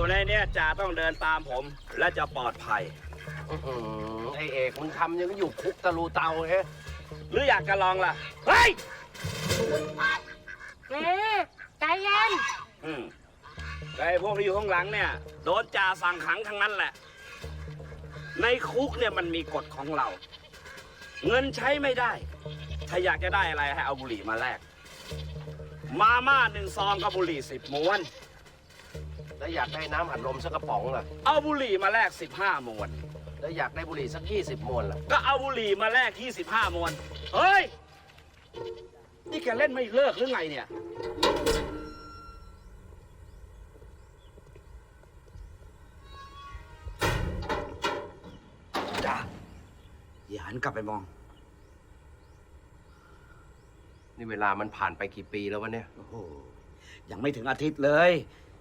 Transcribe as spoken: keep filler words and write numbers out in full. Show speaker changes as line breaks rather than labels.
ในเนี้ยจ่าต้องเดินตามผมและจะปลอดภัย
อื้อหือไอเอกมึงทำยังก็อยู่คุกตะลูเตาเฮ้
หรืออยากจะลองล่ะ เฮ้ย
เอ๊ะใจเย็น
อืมไอ้พวกที่อยู่ข้างหลังเนี่ย โดนจ่าสั่งขังทั้งนั้นแหละ ในคุกเนี่ยมันมีกฎของเรา เงินใช้ไม่ได้ ถ้าอยากจะได้อะไรให้เอาบุหรี่มาแลก มาม่าหนึ่งซองกับบุหรี่สิบม้วน
แล้วอยากได้น้ำอัดลมสักกระป๋องล่ะ
เอาบุหรี่มาแลกสิบห้ามวน
แล้วอยากได้บุหรี่สักยี่สิบมวนล่ะ
ก็เอาบุหรี่มาแลกที่สิบห้ามวน เฮ้ย นี่แกเล่นไม่เลิกหรือไงเนี่ย จ้าอย่าหันกลับไปมอง
นี่เวลามันผ่านไปกี่ปีแล้ววะเนี่ย
โอ้โห ยังไม่ถึงอาทิตย์เลย จ